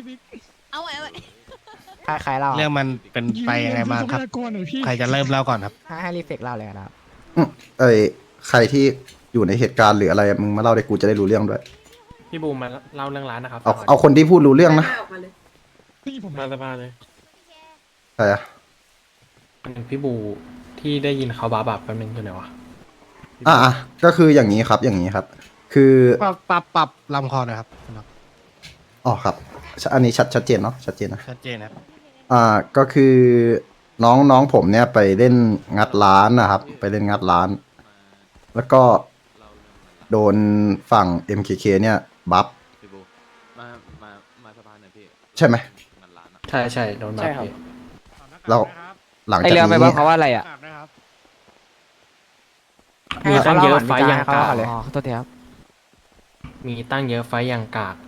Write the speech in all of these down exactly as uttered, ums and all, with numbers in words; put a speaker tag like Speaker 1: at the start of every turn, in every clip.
Speaker 1: เอาไว้เอาไว้
Speaker 2: ใครใครเล่า
Speaker 3: เรื่องมันเป็นไปยังไงบ้างครับ ใครจะเริ่มเล่าก่อนครับ
Speaker 2: ให้ให้รีเฟกเล่าเลยนะครับ
Speaker 4: อืมเอ้ยใครที่อยู่ในเหตุการณ์หรืออะไรมึงมาเล่าได้กูจะได้รู้เรื่องด้วย
Speaker 5: พี่บูมมาเล่าเรื่องร้านนะครับ
Speaker 4: เอาเอาคนที่พูดรู้เรื่องนะ
Speaker 5: มาสบายเลย
Speaker 4: ใครอะ
Speaker 5: พี่บูที่ได้ยินเขาบาบับแป๊บนึงอยู่ไหนวะ
Speaker 4: อ่ะอ่ะก็คืออย่างนี้ครับอย่างนี้ครับ คือ
Speaker 3: ปรับปรับปรับลำคอหนะครับ
Speaker 4: อ๋อครับอันนี้ชัดชัดเจนเนาะชัดเจนนะ
Speaker 3: ชัดเจนครับ
Speaker 4: อ่าก็คือน้องน้องผมเนี่ยไปเล่นงัดร้านนะครับ ไปเล่นงัดร้าน แล้วก็โดนฝั่ง เอ็ม เค เค เนี่ยบัฟ
Speaker 6: พี่บูมามามาสะพานหน่อยพี่
Speaker 4: ใช่ไหม
Speaker 6: มันร้านอะ
Speaker 5: ใช่ใช่โดนบัฟพี่
Speaker 4: แล้วหลัง
Speaker 2: ไอ
Speaker 4: จาก
Speaker 2: เรือไป
Speaker 4: นี้
Speaker 2: ว่าเขาว่าอะไรอ่ะ
Speaker 5: มีตั้งเยอะไฟต์ยัง
Speaker 2: เขา
Speaker 5: กา
Speaker 2: เล่าก ก่อนเลยอ๋อตัวเทียบ
Speaker 5: มีตั้งเยอะไฟต์ยังกาก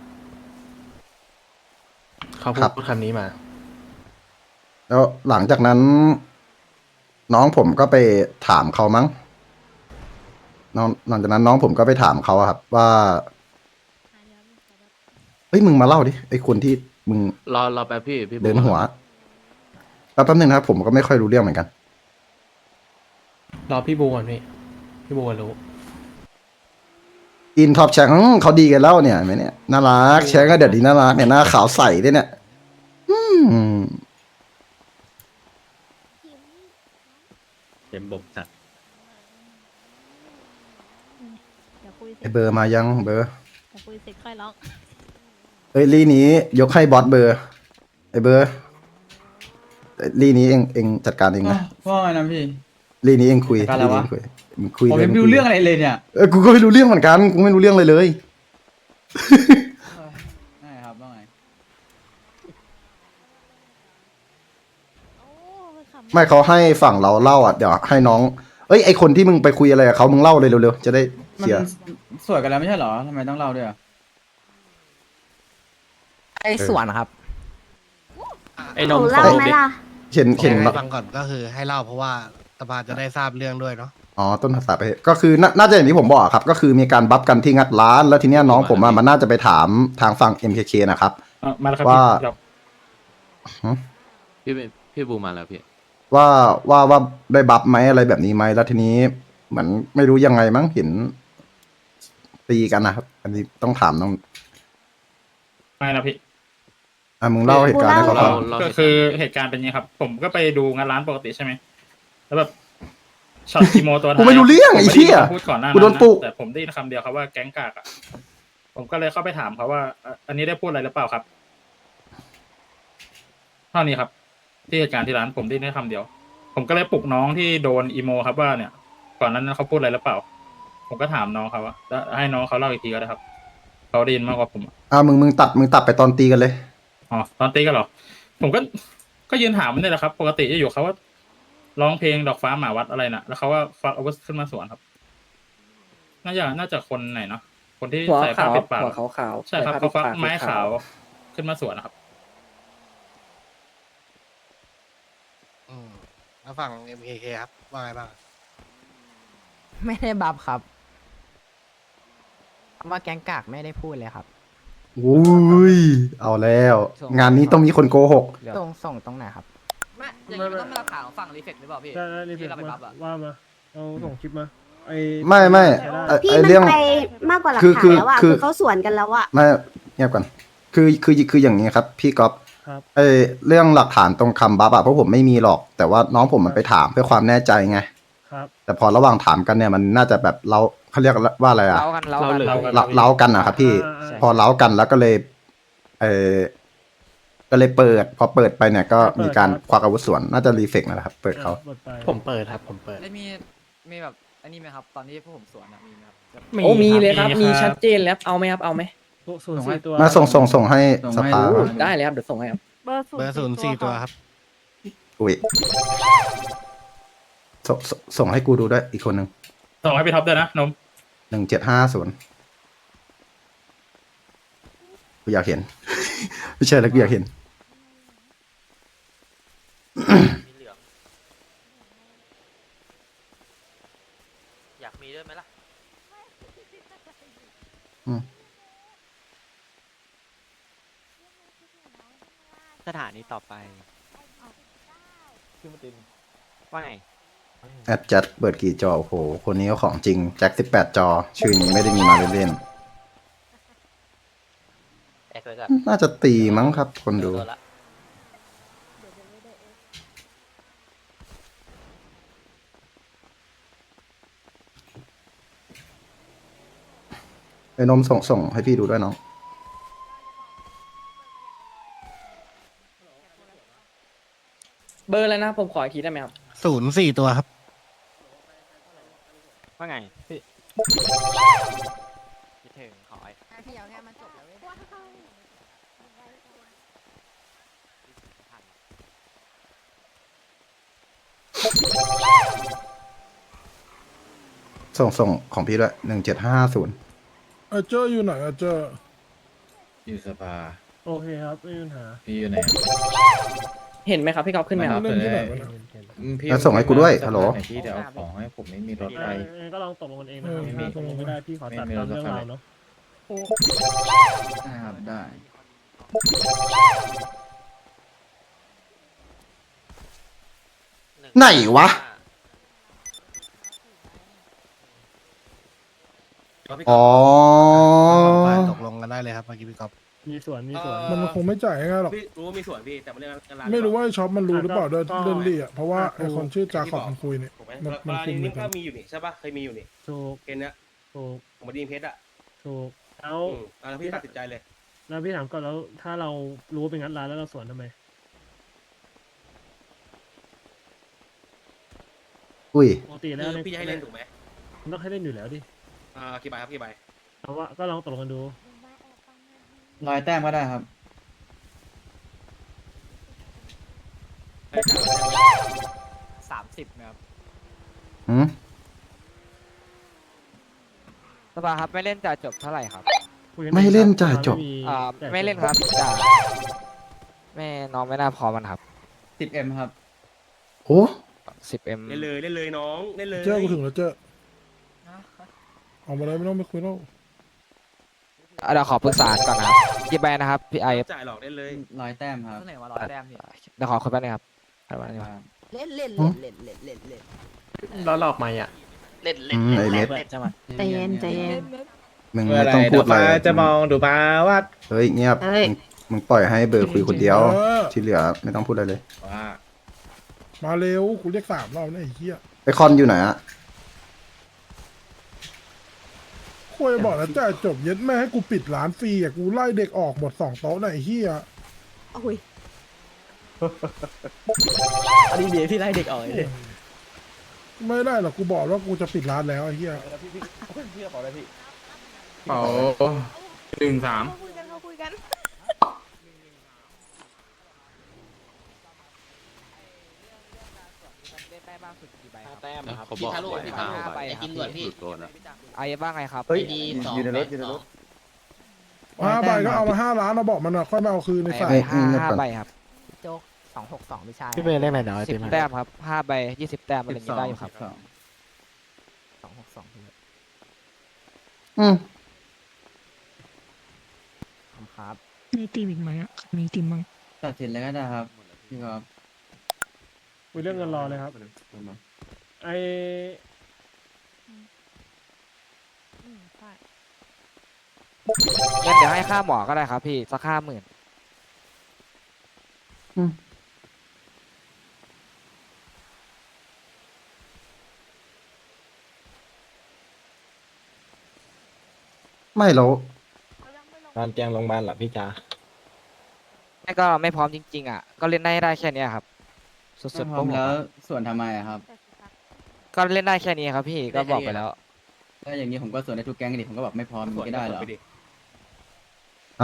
Speaker 5: เขาพูดคำนี้มา
Speaker 4: แล้วหลังจากนั้น น้องผมก็ไปถามเขามั้งน้องหลังจากนั้นน้องผมก็ไปถามเขาอะครับ ว่าเฮ้ยมึงมาเล่าดิไอ้คนที่มึง
Speaker 6: รอรอแป๊บพี่พี่บู
Speaker 4: เดินหัวแล้วแป๊บนึงนะครับผมก็ไม่ค่อยรู้เรื่องเหมือนกัน
Speaker 5: รอพี่บูก่อนพี่ พี่บูรู้
Speaker 4: อินท็อปแชงเขาดีกันแล้วเนี่ยเห็นไหมเนี่ยน่ารักแชงก็เด็ดดีน่ารักเนี่ยหน้าขาวใสด้วยเนี่ย อืม
Speaker 6: เต็มบกจัด
Speaker 1: เดี๋ยวคุยเส
Speaker 4: ไอ
Speaker 1: ร็จ
Speaker 4: เบอร์มายังเบอร์
Speaker 1: เดี๋ยวคุยเสร็จค่อยร้อง
Speaker 4: เอ้ยลีนี้ยกให้บอสเบอร์ ไอเบอร์เอ้ยลีนี้เองเองจัดการเองนะ
Speaker 7: ว่าไงนะพี่
Speaker 4: ลีนี้เองคุย
Speaker 7: จัดการอะไร
Speaker 4: ลีนี้
Speaker 7: วะ
Speaker 4: เองคุยมึงคุย
Speaker 7: ผม
Speaker 4: เลย
Speaker 7: ยังไม่รู้เรื่องอะไรเลยเนี่ย
Speaker 4: เออกูก็ไม่รู้เรื่องเหมือนกันกูไม่รู้เรื่องเลยเลย
Speaker 7: ใช่ครับว่าไง
Speaker 1: โอ้ขำ
Speaker 4: ไม่เขาให้ฝั่งเราเล่าอ่ะเดี๋ยวให้น้อง เอ้ยไอคนที่มึงไปคุยอะไรกับเขามึงเล่าเลยเร็วๆจะได้
Speaker 7: มัน
Speaker 4: เสีย
Speaker 7: สวยกันแล้วไม่ใช่เหรอทำไมต้องเล่าด้วยอ่ะ
Speaker 2: ไอ้ส่วนนะครับ
Speaker 5: ไอ้นม
Speaker 8: เล่า
Speaker 5: โฟ
Speaker 8: ไหม
Speaker 5: ดิ
Speaker 8: ล่ะ
Speaker 4: เห็นเห็น
Speaker 3: ให้ฟังก่อนก็คือให้เล่าเพราะว่าสภาจะได้ทราบเรื่องด้วยเนาะ
Speaker 4: อ๋อต้นภาษาไปเหตุก็คือน่าน่าจะอย่างที่ผมบอกอะครับ ก็คือมีการบัฟกันที่งัดร้าน แล้วทีเนี้ยน้องผมอะมันน่าจะไปถามทางฝั่ง เอ็ม เค เค นะครับ
Speaker 5: มาแล้วครับ
Speaker 4: ว่า
Speaker 6: พี่พี่บูมาแล้วพี่
Speaker 4: ว่าว่าว่าได้บัฟไหมอะไรแบบนี้ไหมแล้วทีนี้เหมือนไม่รู้ยังไงมั้งเห็นตีกันนะครับ อันนี้ต้องถามน้อง
Speaker 9: ไม่นะพี่
Speaker 4: อ่ะมึงเล่าเหตุการณ์ให้เขา
Speaker 6: เรา
Speaker 4: ฟัง
Speaker 6: เรา
Speaker 9: ก็คือเหตุการณ์เป็นไงครับ ผมก็ไปดูงานร้านปกติใช่ไหมแล้วแบบช็อตคีโมตัวท้าย
Speaker 4: กูไม่รู้เรื่องไอ้เหี้ย
Speaker 9: ผมม่ด้นคำพูดก่อนหน้า
Speaker 4: กูโดนปลุก
Speaker 9: แต่ผมได้ยินคำเดียวครับว่าแก๊งกากอ่ะผมก็เลยเข้าไปถามเขาว่าอ่ะอันนี้ได้พูดอะไรหรือเปล่าครับเท่านี้ครับ ที่เหตุการณ์ที่ร้านผมได้ยินแค่คำเดียว ผมก็เลยปลุกน้องที่โดนอีโมครับว่าเนี่ย ก่อนนั้นเขาพูดอะไรหรือเปล่า ผมก็ถามน้องเขาว่าแล้วให้น้องเขาเล่าอีกทีก็ได้ครับเขาได้ยินมากกว่าผม
Speaker 4: อ่ะมึงมึงตัดมึงตัดไปตอนตีกันเลย
Speaker 9: อ๋อตอนตีกันเหรอ ผมก็ก็ยืนถามมันนี่แหละครับ ปกติจะอยู่เขาว่าร้องเพลงดอกฟ้าหมาวัดอะไรน่ะ แล้วเขาว่าฟักอาวุธขึ้นมาสวนครับ น่าจะน่าจะคนไหนเนาะคนที่
Speaker 7: หัว
Speaker 9: ใส่ผ้า
Speaker 7: ขาว
Speaker 9: ปิดปาก
Speaker 7: หัวขาวขาว
Speaker 9: ใช่ครับเขาฟักไม้ขาวขึ้นมาสวนนะครับ
Speaker 3: อืมแล้วฝั่ง เอ็ม เค เค ครับว่าไงบ้าง
Speaker 2: ไม่ได้บัฟครับคำว่าแก๊งกากไม่ได้พูดเลยครับ
Speaker 4: อุ้ย เอาแล้ว งานนี้ต้องมีคนโกหก
Speaker 2: ส่งส่งตรงไหนครับ
Speaker 10: ไม่อย่างนี้มันต้องมาถามฝั่งรีเฟกหรือเปล่าพี่
Speaker 5: ได้ได้รีเฟ
Speaker 10: ที่
Speaker 5: ก
Speaker 10: เราไป
Speaker 5: มา
Speaker 10: บัฟอะ
Speaker 5: ว่ามาเอาส่งคลิปมาไอ
Speaker 4: ไม่ไม่ไอ้
Speaker 8: พี่
Speaker 4: ไอ้
Speaker 8: มัน
Speaker 4: เรื่อง
Speaker 8: ไปมากกว่าหลัก
Speaker 4: คือ
Speaker 8: ฐา
Speaker 4: คื
Speaker 8: น
Speaker 4: อ
Speaker 8: แล้วอ่ะ
Speaker 4: คือ
Speaker 8: คือเขาสวนกันแล้วอ่ะ
Speaker 4: ไม่เงียบก่อนคือคือคืออย่างนี้ครับ พี่ก๊อฟ
Speaker 5: ครับ
Speaker 4: เออเรื่องหลักฐานตรงคำบัฟอะเพราะผมไม่มีหรอก แต่ว่าน้องผมมันไปถามเพื่อความแน่ใจไง
Speaker 5: ครับ
Speaker 4: แต่พอระหว่างถามกันเนี่ยมันน่าจะแบบเราเขาเรียกว่าอะไรอะ
Speaker 2: เล้ากันเล้ากัน
Speaker 9: เรา
Speaker 4: เล้าเล้ากันนะครับพี่
Speaker 5: อ่า
Speaker 4: พอเล้ากันแล้วก็เลย เออก็เลยเปิด พอเปิดไปเนี่ยก็มีการควักอาวุธสวน น่าจะรีเฟกนะครับ เปิดเขา
Speaker 5: ปิดไป
Speaker 3: ผมเปิดครับผมเปิด
Speaker 10: แล้วมีมีแบบอันนี้ไหมครับ ตอนที่พวกผมสวนอะมีไหมครับแบบ
Speaker 5: มี
Speaker 7: โอ้มีเลยครับ
Speaker 9: มี
Speaker 7: มี
Speaker 9: ครับ
Speaker 7: ชัดเจนแล้วเอาไหมครับเอาไหม
Speaker 5: ศูนย์สี่ตัว
Speaker 4: มาส่งส่งส่งให้
Speaker 7: ส่ง
Speaker 4: ส
Speaker 7: ให้
Speaker 4: ภา
Speaker 7: ดู
Speaker 4: ครับ
Speaker 7: ได้เลยครับเดี๋ยวส่งให้ครับ
Speaker 1: เบอร์
Speaker 3: เบอร์ศูนย์สี่ตัวครับ
Speaker 4: อุ้ยส่งส่งส่งให้กูดูด้วยอีกคนหนึ่ง
Speaker 9: ส่งให้พี่ท็อปด้วยนะนม
Speaker 4: หนึ่งเจ็ดห้าศูนย์กูอยากเห็น ไม่ใช่แล้วกูอยากเห็น
Speaker 10: มีเหลืองอยากมีด้วยไหมล่ะ
Speaker 4: อืม
Speaker 10: สถานีต่อไปว่าไง
Speaker 4: แอดจัดเปิดกี่จอโอ้โหคนนี้ก็ของจริงแจ็คสิบแปดจอ ชื่อนี้ไม่ได้มีมาเล่น
Speaker 10: แอคเลยจ้ะ
Speaker 4: ๆน่าจะตีมั้งครับ คนดู
Speaker 10: ตัวละ
Speaker 4: ไอ้นมส่งส่งให้พี่ดูด้วยน้อง
Speaker 7: เบอร์อะไรนะผมขออีกทีได้ไหมครับ
Speaker 3: ศูนย์สี่ตัวครับ
Speaker 10: ว่าไงพี่คิดถึงขอไอ้
Speaker 1: พี่เอาแค่มันจบแล้วเว้ย
Speaker 4: ส่งส่งของพี่ด้วยหนึ่งเจ็ดห้าศูนย์
Speaker 9: อาเจออยู่ไหนอาเจอ
Speaker 7: อยู่สภา
Speaker 9: โอเคครับไม่มีปัญหา
Speaker 7: พี่อยู่ไหนเห็นไหมครับพี่ก๊อฟขึ้นไหมครับ
Speaker 9: เล่นที่ไหนวะเนี่ย
Speaker 4: แล้วส่งให้กูด้วยฮัลโหล
Speaker 7: พี่เดี๋ยวเอาของให้ผมไม่มีรถไป
Speaker 9: ก็ลองตกลงกันเองนะครับถ้าตกลงไม่ได้พี่ขอตัดตามเรื่องราวเนาะ
Speaker 7: ได้ครับได้
Speaker 4: ไหนวะ อ๋อ
Speaker 3: ตกลงกันได้เลยครับเมื่อกี้พี่ก๊อฟ
Speaker 9: มีส่วนมีส่วนมันคงไม่จ่ายง่ายหรอก
Speaker 11: พี่รู้ว่ามีส่วนพี่แต่มันเรื่องงานร้าน
Speaker 9: ไม่รู้ว่าไอ้ช็อปมันรู้หรือเปล่าด้วยเรื่องลี่อ่ะเพราะว่าไอ้คนชื่อจาขอบมันคุยเนี่ย
Speaker 11: ถูกไหม
Speaker 9: มัน
Speaker 11: เว
Speaker 9: มัน
Speaker 11: ลา
Speaker 9: คุมเหมื
Speaker 11: นี้
Speaker 9: อนกั
Speaker 11: ก็
Speaker 9: น
Speaker 11: มีอยู่นี่ใช่ปะเคยมีอยู่นี่
Speaker 9: ถูก
Speaker 11: เกณฑ์เนี้ย
Speaker 9: ถูก
Speaker 11: ผมมาดีเพชรอ่ะ
Speaker 9: ถูกแล้ว
Speaker 11: อืมอ่ะแล้วพี่ตัดสินใจเลย
Speaker 9: แล้วพี่ถามก่อนแล้วถ้าเรารู้ว่าเป็นงั้นร้านแล้วเราสวนทำไม
Speaker 4: อุ้ย
Speaker 9: ปกติแล้ว
Speaker 11: คือพี่จะให้เล่นถูกไหม
Speaker 9: มันต้องให้เล่นอยู่แล้วดิ
Speaker 11: อ่ากี่ใบครับกี่ใบ
Speaker 9: เอาว่าก็ลองตกลงกันดู
Speaker 7: ร้อยแต้มก็ได้ครับ
Speaker 10: สามสิบนะครับ
Speaker 4: หืม
Speaker 10: สภาครับไม่เล่นจ่ายจบเท่าไหร่ครับ
Speaker 9: คุยกั
Speaker 4: ไม่เล่นจ่ายจบ
Speaker 10: อ่าไม่เล่นครับจ่าแม่น้องไม่น่าพอมันครับ
Speaker 7: สิบเอ็มครับ
Speaker 4: โอ้
Speaker 10: สิบเอ็ม
Speaker 11: เล่นเลยเล่นเลยน้องเล่นเลย
Speaker 9: เจ้ากูถึงแล้วเจ้าออกมาเลยไม่ต้องไปคุยแล้ว
Speaker 10: เดี๋ยวขอปรึกษาก่อนนะครับกี่ใบนะครับพี่ไอ
Speaker 11: จ่ายหลอกเล่นเลย
Speaker 7: ร้อยแต้มครับ
Speaker 10: เท่าไหร่วะร้อยแต้มพี่เดี๋ยวขอคุยแป๊บนึงครับอะไรวะนี่วะ
Speaker 1: เล่นเล่นเล่นเล่นเล่นเล่นเล่น
Speaker 5: แล้วหลอกไหมอ่ะ
Speaker 11: เล่น
Speaker 4: อืมไอเม็ด
Speaker 8: ใจเย็นใจเย็น
Speaker 4: มึงไม่ต้องพูดอะไร
Speaker 5: จะมองดูปาว่า
Speaker 4: เฮ้ยเงียบ
Speaker 8: เอ้ย
Speaker 4: มึงมึงปล่อยให้เบอร์คุยคนเดียว
Speaker 9: เออ
Speaker 4: ที่เหลือไม่ต้องพูดอะไรเลย
Speaker 5: ว่า
Speaker 9: มาเร็วกูเรียกสามรอบนะไอ้เหี้ย
Speaker 4: ไอคอนอยู่ไหนอะ
Speaker 9: คุยบอกแล้วจ่ายจบเย็ดแม่ให้กูปิดร้านฟรีอ่ะกูไล่เด็กออกหมดสองโต๊ะไหนะไอ้เหี้ย
Speaker 1: โอ้ย
Speaker 7: อันนี้เดี๋ยวพี่ไล่เด็กออกเลย
Speaker 9: ไม่ได้หรอกกูบอกว่ากูจะปิดร้านแล้วไอ้เหี้ย
Speaker 5: เป๋าหนึ่งสาม
Speaker 1: เขาคุยกันเขาคุยกัน
Speaker 10: เล่นได้บ้างสุดกี่ใบครับ
Speaker 7: แต้มครับ
Speaker 6: เขาบอกเลยที่ห้า
Speaker 10: ห้าใบ
Speaker 6: ใบ
Speaker 10: ครับ
Speaker 6: หลุดโดนอ่ะ
Speaker 10: ไอ้บ้างไงครับ
Speaker 7: เฮ้ยอยู่ในรถอยู่ในรถ
Speaker 9: ห้าใบก็เอามาห้าล้านเราบอกมันอ่ะค่อยมาเอาคืนในสาย
Speaker 10: ไอ้ห้าห้าใบครับ
Speaker 2: โจ๊กสองหกสองไม่ใช่
Speaker 5: พี่เบย์เล่นไหนเนาะ
Speaker 10: สิบแต้มครับห้าใบยี่สิบแต้มอะไรอย่างงี้ได้อยู่ครับ
Speaker 2: สองหกสอง
Speaker 4: อืม
Speaker 2: ครับ
Speaker 9: มีทีมอีกไหมอ่ะมีทีมมั้ง
Speaker 7: ตัดสินเลยก็ได้ครับพี่ก๊อฟ
Speaker 9: คุยเรื่องเงินรอเลยครับไอ
Speaker 1: อืมใช่
Speaker 10: งั้นเดี๋ยวให้ค่าหมอก็ได้ครับพี่สักห้าหมื่น
Speaker 4: ไม่แล้ว
Speaker 5: การแจงโรงพยาบาลเหรอพี่จ้า
Speaker 10: ไม่ก็ไม่พร้อมจริงๆอ่ะก็เล่นได้ได้แค่เนี้ยครับ สุด
Speaker 7: ถ้า
Speaker 10: ๆ
Speaker 7: พ
Speaker 10: พ
Speaker 7: ร้
Speaker 10: ว
Speaker 7: อก ม
Speaker 10: ผม
Speaker 7: แล้ว
Speaker 10: อะ
Speaker 7: ส่วนทำไมอะครับ
Speaker 10: ก็เล่นได้แค่นี้ครับพี่ก็บอกไปแล้ว
Speaker 7: ถ้าอย่างนี้ผมก็ส่วนในทุกแก๊งดิผมก็บอกไม่พร้อมมันก็ได้เหรอ
Speaker 11: ไปดิ
Speaker 4: อะ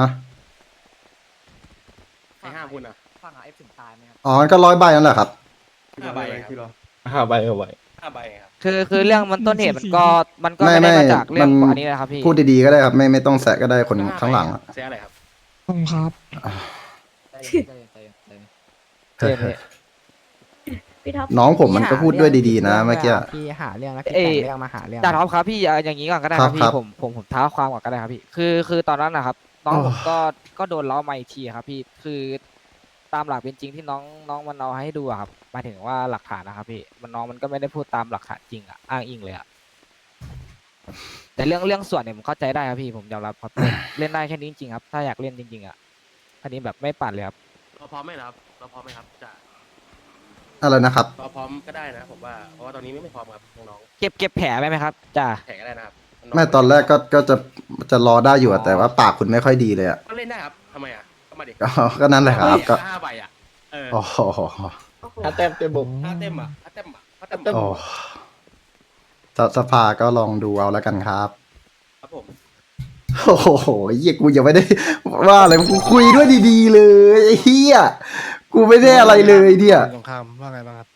Speaker 11: ให้ห้าคุณอ่ะ
Speaker 10: ฟังหาเอฟถึงตายไหมครับ
Speaker 4: อ๋อก็ร้อยใบนั่นแหละครับ
Speaker 11: ห้าใบครับ
Speaker 5: ห้าใบเอาไว้
Speaker 11: ห้าใบครับ
Speaker 10: คือคือเรื่องมันต้นเหตุมันก็มันก็
Speaker 4: ไม่
Speaker 10: ไม่ได้
Speaker 4: ไม่
Speaker 10: มาจากเรื่อง
Speaker 4: มัน
Speaker 10: อันนี้นะครับพี่
Speaker 4: พูดดีๆก็ได้ครับ ไม่ไม่ต้องแซะก็ได้คนข้างหลังอะ
Speaker 11: เสียอะไรครับ
Speaker 9: ผมครับ
Speaker 10: ใจเย็นใจเย็นใจเย็นใจเย็นใจเย็นพี่
Speaker 8: พี่ท็อป
Speaker 4: น้องผมมันก็พูดด้วยดีๆนะเมื่อกี้
Speaker 2: พี่หาเรื่องแล้วพี่แต่งเรื่องมาหาเรื่อง
Speaker 10: จ่าท็อปครับพี่เอาอย่างนี้ก่อนก็ได้ครับ
Speaker 4: ครั
Speaker 10: พี่
Speaker 4: บ
Speaker 10: ผมผมผมท้าความก่อนก็ได้ครับพี่คือคือตอนนั้นนะครับน้อง
Speaker 4: โอ้
Speaker 10: ผมก็ก็โดนล้อมาอีกทีครับพี่คือตามหลักเป็นจริงที่น้องน้องมันเอาให้ดูอะครับหมายถึงว่าหลักฐานนะครับพี่มันน้องมันก็ไม่ได้พูดตามหลักฐานจริงอะอ้างอิงเลยอะแต่เรื่องเรื่องส่วนเนี่ยผมเข้าใจได้ครับพี่ผมยอมรับครับ เล่นได้แค่นี้จริงๆครับถ้าอยากเล่นจริงๆอะอันนี้แบบไม่ปั่นเลยครับ
Speaker 11: เราพร้อมไหมครับ เราพร้อมไหมครับจะ
Speaker 4: อะไรนะครับ
Speaker 11: เราพร้อมก็ได้นะผมว่า เพราะว่าตอนนี้ไม่พร้อมครับน้อง
Speaker 10: เก็บเก็บแผลไว้ไหมครับจ้า
Speaker 11: ๆแข่งก็ได้นะครับ
Speaker 4: ไม่ตอนแรกก็ก็จะจะรอได้อยู่อะแต่ว่าปากคุณไม่ค่อยดีเลยอ่ะ
Speaker 11: ก็เล่นได้ครับทำไมอ่ะก็มาดิ
Speaker 4: ก็ก็นั่นแหละครับก็
Speaker 11: ห้าใบอ่ะเออ
Speaker 4: โอ้โห
Speaker 5: ถ้าเต็มเต็มบุก
Speaker 11: ห้าเต็มอ่ะห้าเต็มอ่ะห้าเต็ม
Speaker 4: โอ้สสภาก็ลองดูเอาแล้วกันครับ
Speaker 11: ครับผม
Speaker 4: โอ้โหเฮียกูยังไม่ได้ ว่าอะไรกูคุยด้วยดีๆเลยไอ้เฮียกูไม่ได้อะไรเลยเนี่ย
Speaker 3: สงครามว่าไงบ้างครับ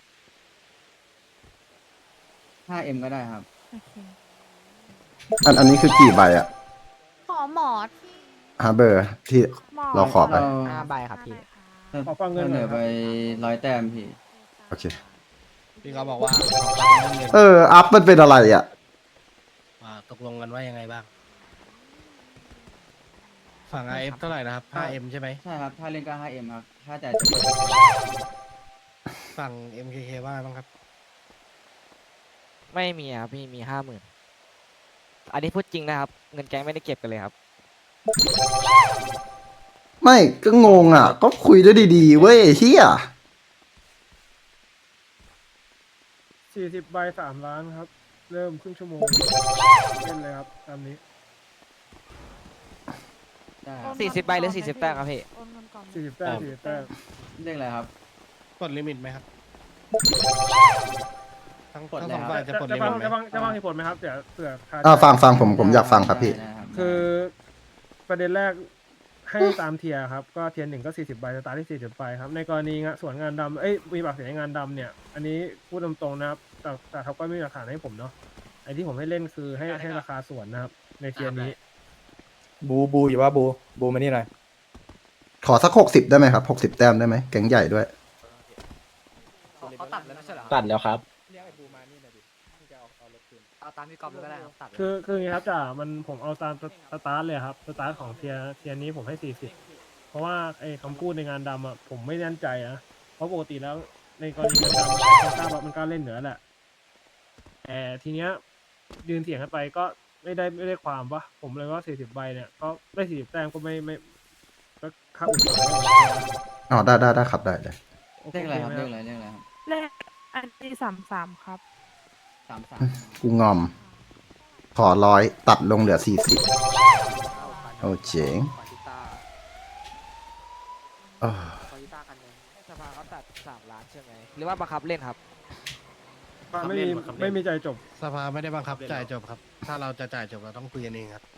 Speaker 2: ห้าเอ็มก็ได้ครับ
Speaker 1: โอเค
Speaker 4: อันอันนี้คือกี่ใบอะ
Speaker 1: ขอหมอที่
Speaker 4: ฮะเบอร์ที่
Speaker 1: หมอ
Speaker 4: เราขอไป
Speaker 2: ห้าใบครับพี่
Speaker 1: ขอฟังเงินหน่อยครับ
Speaker 2: ร้อยแต้มพี่
Speaker 4: โอเค
Speaker 3: พี่เขาบอกว่า
Speaker 4: เออ อัพมันเป็นอะไรอ่ะ
Speaker 3: ว่าตกลงกันว่ายังไงบ้าง ฝั่ง ไอ เอฟ เท่าไหร่นะครับ ห้าเอ็ม ใช่ไหม
Speaker 2: ใช่ครับ ถ้าเล่นก็ ห้าเอ็ม ครับ ถ้าแต่
Speaker 3: ฝั่ง เอ็ม เค เค ว่าไงบ้างครับ
Speaker 10: ไม่มีครับพี่มีห้าหมื่นอันนี้พูดจริงนะครับเงินแก๊งไม่ได้เก็บกันเลยครับ
Speaker 4: ไม่ก็งงอ่ะ ก็คุยด้วยดีๆเว้ยไอ้เฮีย
Speaker 1: สี่สิบใบสามล้านครับ เริ่มครึ่งชั่วโมง เล่นเลยครับ ตามนี้
Speaker 10: สี่สิบใบหรือสี่สิบแต้มครับพี่
Speaker 1: สี่สิบแต้มสี่สิบแต้ม
Speaker 2: เรียกอะไรครับ
Speaker 3: กดลิมิตไหมครับ ทั้ง
Speaker 2: กด
Speaker 3: ทั้ง
Speaker 2: แล้
Speaker 3: ส
Speaker 2: ว
Speaker 3: องฝ่ายจะ
Speaker 1: จะ
Speaker 3: กด
Speaker 1: จะ
Speaker 3: ลิ
Speaker 1: ฟั
Speaker 3: มิ
Speaker 1: ง
Speaker 3: ตไหม
Speaker 1: จะฟังจะฟังเหตุผลไหมครับ เดี๋ยวเผื่อคาใจ
Speaker 4: อ่าฟังฟังผมผมอยากฟังครับพี่
Speaker 1: คือประเด็นแรกให้ตามเทียร์ครับ ก็เทียร์หนึ่งก็สี่สิบใบสตาร์ทที่สี่สิบใบครับ ในกรณีงะส่วนงานดำเอ้ยมีปากเสียงในงานดำเนี่ย อันนี้พูดตรงๆนะครับ แต่แต่เขาก็ไม่มีหลักฐานให้ผมเนาะไอ้ที่ผมให้เล่นคือให้ให้ราคาส่วนนะครับ ในเทียร์นี้
Speaker 5: บูบูอยู่ว่าบูบูมานี่หน่อย
Speaker 4: ขอสักหกสิบได้ไหมครับหกสิบแต้มได้ไหมแก๊งใหญ่ด้วย
Speaker 2: เขาตัดแล้วไม่ใช่เหรอ
Speaker 5: ตัดแล้วครับ
Speaker 2: เรียกไอ้บูมานี่หน่อยดิจะเอาเอารถคืนเอาตามพี่กอล์ฟเลยก็ได้ครับตัด
Speaker 1: คือคืออย่างนี้ครับจ่ามันผมเอาตามสตาร์ทเลยครับสตาร์ทของเทียร์เทียร์นี้ผมให้สี่สิบเพราะว่าไอ้คำพูดในงานดำอ่ะผมไม่แน่ใจนะเพราะปกติแล้วในกรณีงานดำมันกล้ามันกล้าเล่นเหนือแหละแต่ทีเนี้ยยืนเถียงกันไปก็ไม่ได้ไม่ได้ความปะผมเลยว่าสี่สิบใบเนี่ยก็ได้สี่สิบแต้มก็ไม่ไม่ก็ค่าอุดหนุน
Speaker 4: อ๋อได้ได้ได้ครับได้ได้
Speaker 2: เรียกอะไรครับ เรียกอะไร เรียกอะไรครับ
Speaker 1: เลขอันที่สามสามครับ
Speaker 2: สามสาม
Speaker 4: กูงอม ขอร้อยตัดลงเหลือสี่สิบโอ้เจ๋งเออ
Speaker 10: สภาเขาตัดสามล้านใช่ไหมหรือว่าบังคับเล่นครับ
Speaker 1: ไม่มีไม่มีใจจบ
Speaker 3: สภาไม่ได้บังคับจ่ายจบครับ ถ้าเราจะจ่ายจบเราต้องคุยกันเองครับ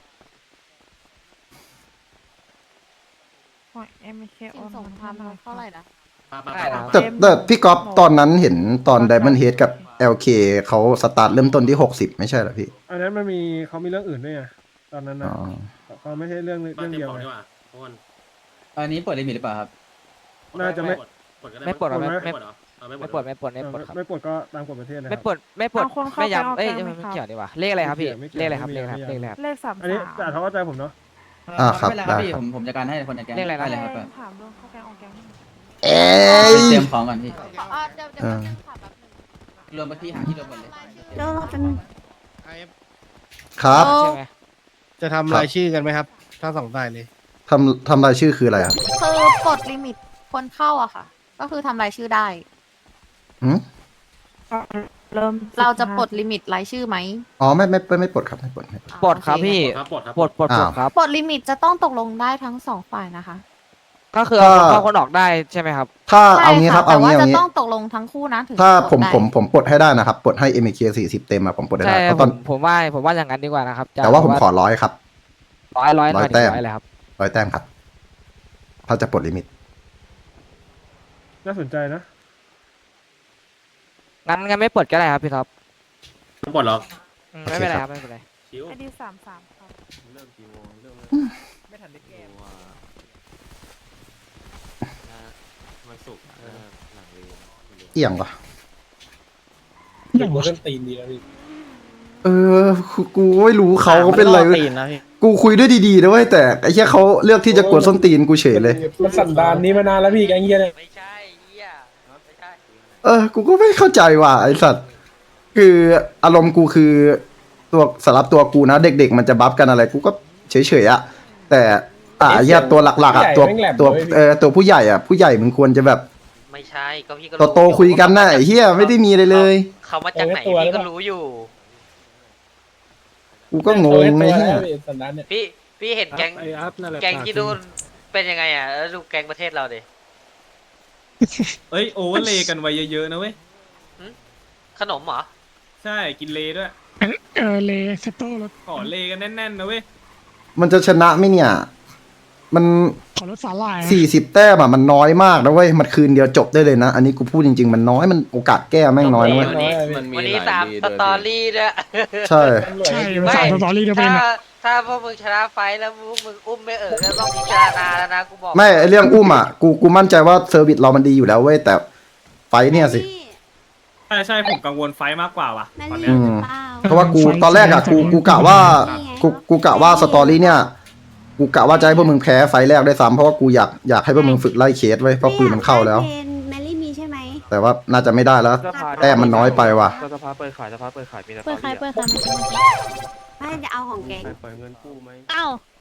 Speaker 1: ของ เอ็ม เค
Speaker 8: สินสงครามเท่าไหร่นะ
Speaker 10: ได้ครับ
Speaker 4: แต่แต่พี่ก๊อฟตอนนั้นเห็นตอน Diamond Head กับ แอล เค เขาสตาร์ทเริ่มต้นที่หกสิบไม่ใช่เหรอพี่
Speaker 1: อันนั้นมันมีเขามีเรื่องอื่นด้วยไงตอนนั้น
Speaker 4: อ๋
Speaker 1: นะ
Speaker 4: อ
Speaker 1: เขาไม่ใช่เรื่องเรื่องเดียวไง
Speaker 2: อันนี้เปิดลิมิตหรือเปล่าครับ
Speaker 1: น่าจะไม่
Speaker 10: ไม่ปลดหรอไม่
Speaker 1: ไม่
Speaker 10: ไม่ไม่ปลดไม่ปลดไม่ปลดครับ
Speaker 1: ไม่ปลดก็ตามกฎประเทศนะค
Speaker 10: ไม่
Speaker 1: รับ
Speaker 10: ปลดไม่ปลด
Speaker 1: เอาคนเข้า
Speaker 10: ไม่
Speaker 1: ไป
Speaker 10: ย้ำเอ้ย
Speaker 1: เอาแกง
Speaker 10: ไม่
Speaker 1: ไหมครับ
Speaker 10: เกี่ยวดีกว่าเลขอะไรครับพี่
Speaker 1: ไม่
Speaker 10: เล
Speaker 1: เกี่
Speaker 10: ข
Speaker 1: ยว
Speaker 10: อะไรครับ
Speaker 1: ไม่
Speaker 10: เลข
Speaker 1: เกี่
Speaker 10: อะไร
Speaker 1: ยว
Speaker 10: ครับ
Speaker 1: ไม่
Speaker 10: เลข
Speaker 1: เกี่ยว
Speaker 10: อะไรครับ
Speaker 1: เลขสามอันนี้แต่เขาเข้าใจผมเนาะ
Speaker 4: อ่าครับ
Speaker 2: ไม่เป็นไรครับ
Speaker 4: ได้
Speaker 2: พี่
Speaker 4: ครับ
Speaker 2: ผมผมจัดการให้คนในแก๊ง
Speaker 10: เรียกอะไรครับ
Speaker 2: ได้เลยครับ
Speaker 1: ถามเรื่องเข้าแกงออกแกง
Speaker 4: เอ้ย
Speaker 2: เตรียมของก่อนพี่
Speaker 8: อ่าเดี๋ยวเดี๋ยว
Speaker 4: เออ
Speaker 8: แป๊บนึงค่ะแป๊บนึง
Speaker 2: รวมไปที่หาที่รวมหมดเลย
Speaker 8: เดี๋ยวเราเป็น
Speaker 3: ไอ เอฟ
Speaker 4: ครับ
Speaker 10: ใช่ไหม
Speaker 3: จะทำรายชื่อกันไหมครับ ถ้าสองฝ่ายเลย
Speaker 4: ทำทำรายชื่อคืออะไรครับ
Speaker 8: คือปลดลิมิตคนเข้าอะค่ะ ก็คือทำรายชื่อได้
Speaker 4: หืม
Speaker 1: เริ่ม
Speaker 8: เราจะปลดลิมิตรายชื่อไหม
Speaker 4: อ๋อไม่ไม่ไม่ไม่ปลดครับไม่ปลดไม่ปลด
Speaker 10: ปลดครับพี่
Speaker 11: ปลดครับ
Speaker 10: ปลดปลดปลด
Speaker 4: อ้าว
Speaker 10: ครับ
Speaker 8: ปลดลิมิตจะต้องตกลงได้ทั้งสองฝ่ายนะคะ
Speaker 10: ก็คือเอาคนเข้าคนออกได้ใช่ไหมครับ
Speaker 4: ถ้า
Speaker 8: ใช่
Speaker 4: เอางี้ครับ
Speaker 8: ค่ะ
Speaker 4: เอา
Speaker 8: แต่ว่า
Speaker 4: งี้เอา
Speaker 8: จะ
Speaker 4: งี้
Speaker 8: ต้องตกลงทั้งคู่นะถึง
Speaker 4: ถ้า
Speaker 8: จะปลด
Speaker 4: ผม
Speaker 8: ได้
Speaker 4: ผมผมปลดให้ได้นะครับปลดให้ เอ็ม เค สี่สิบเต็มอะผมปลดได้
Speaker 10: ใช่
Speaker 4: เพราะ
Speaker 10: ผ
Speaker 4: ตอน
Speaker 10: มผมว่าผมว่าอย่างนั้นดีกว่านะครับ
Speaker 4: แต่ว่าผมขอร้อยครับ
Speaker 10: ร้อยร้อย
Speaker 4: ร้อย
Speaker 10: มาถึง
Speaker 4: แต้ม
Speaker 10: ร้อยเลยครับ
Speaker 4: ร้อยแต้มครับ ถ้าจะปลดลิมิต
Speaker 1: น่าสนใจนะ
Speaker 10: งั้นงั้นไม่ปลดก็ได้ครับพี่ท็อป
Speaker 11: ไม่ปลดหรอก
Speaker 10: อืมไม่เป็นไรครับไม่เป็นไร
Speaker 11: ชิว
Speaker 1: ไอดีสามสามครับ
Speaker 11: เริ่มกี่โมงเริ่ม
Speaker 2: ไม่ทันได้แก้
Speaker 6: มันสุกร์เออหลังเรียน
Speaker 4: เอี่ยงปะ
Speaker 5: อย่างว่าเล่นตีนดีแล้วพี่
Speaker 4: เออกูกูไม่รู้เขาเขาเป็นอะไรเว้ย
Speaker 5: ตีนนะพี่
Speaker 4: กูคุยด้วยดีๆนะเว้ยแต่ไอ้เหี้ยเขาเลือกที่จะกวนส้นตีนกูเฉยเลย
Speaker 5: มันสันดานนี้มานานแล้วพี่แกงเฮียเนี่ย
Speaker 10: ไม่ใช่เฮียไม่ใช่
Speaker 4: เออ กูก็ไม่เข้าใจว่ะไอสัตว์ คืออารมณ์กูคือตัวสำหรับตัวกูนะ เด็กๆมันจะบัฟกันอะไร กูก็เฉยๆอะแต่อ่าไอ้เหี้ยตัวหลักๆอะตัวตัวเออตัวผู้ใหญ่อะผู้ใหญ่มึงควรจะแบบ
Speaker 10: ไม่ใช่ก็พี่ก็
Speaker 4: โตๆคุยกันนะไอ้เหี้ยไม่ได้มีอะไรเลย
Speaker 10: เขามาจากไหนพี่ก็รู้อยู่
Speaker 4: กูก็งงไอ้เหี้ย
Speaker 5: สันดานเนี่ย
Speaker 10: พี่พี่เห็นแก๊ง
Speaker 1: ไอ้อัพนั่นแหละ
Speaker 10: แก๊งที่นู่นเป็นยังไงอ่ะแล้วดูแก๊งประเทศเราดิ
Speaker 6: เอ้ยโอเวอร์เลย์กันไว้เยอะๆนะเว้ย
Speaker 10: ขนมเหรอ
Speaker 6: ใช่กินเลย์ด้วย
Speaker 5: เออเลสโต้รถ
Speaker 6: ขอเลย์กันแน่นๆนะเว้ย
Speaker 4: มันจะชนะไหมเนี่ย มัน
Speaker 5: ขอรถสาลาย
Speaker 4: สี่สิบแต้มอะมันน้อยมากนะเว้ย มันคืนเดียวจบได้เลยนะ อันนี้กูพูดจริงๆ มันน้อย มันโอกาสแก้แม่งน้อยนะเว้ย
Speaker 10: วันนี้
Speaker 11: มันมี
Speaker 10: วันนี้
Speaker 11: หลาย
Speaker 10: สาม
Speaker 11: ลี
Speaker 10: ส
Speaker 11: ด้วย
Speaker 10: ตอ
Speaker 11: พี่
Speaker 10: รี่ด้วย
Speaker 4: ใช่
Speaker 5: ใช่
Speaker 10: ไม่
Speaker 5: สามสตอรี่เดียวเป็
Speaker 10: ถ้าน
Speaker 5: อะ
Speaker 10: ถ้าพวกมึงชนะไฟท์แล้วพวกมึงอุ้มไม่เอ๋อก็ต้องพิจารณาแล้วนะกูบอก
Speaker 4: ไม่ไอเรื่องอุ้มอ่ะ กู กูมั่นใจว่าเซอร์วิสเรามันดีอยู่แล้วเว้ย แต่ไฟท์เนี่ยสิ
Speaker 6: ใช่ใช่ผมกังวลไฟท์มากกว่าว่ะ
Speaker 8: แม่
Speaker 6: ตอน
Speaker 8: ลี่
Speaker 6: เนี้ย
Speaker 8: หรือเปล่า
Speaker 4: เพราะว่ากูตอนแรกอ่ะ กู กูกะว่า กู กูกะว่าสตอรี่เนี่ย กูกะว่าจะให้พวกมึงแพ้ไฟท์แรกด้วยซ้ำเพราะว่ากูอยาก อยากให้พวกมึงฝึกไล่เคสไว้ยเพราะปืนมันเข้าแล้ว
Speaker 8: แมรี่มีใช่ไหม
Speaker 4: แต่ว่าน่าจะไม่ได้แล้ว แต้มมันน้อยไปว่ะ
Speaker 11: สภาเปิดขายสภาเปิดขายมีแต่
Speaker 8: เปิดใครเปิดใครไม่จะเอาของแกง
Speaker 11: ปล่อยเงินกู้ไหม
Speaker 8: อ้าว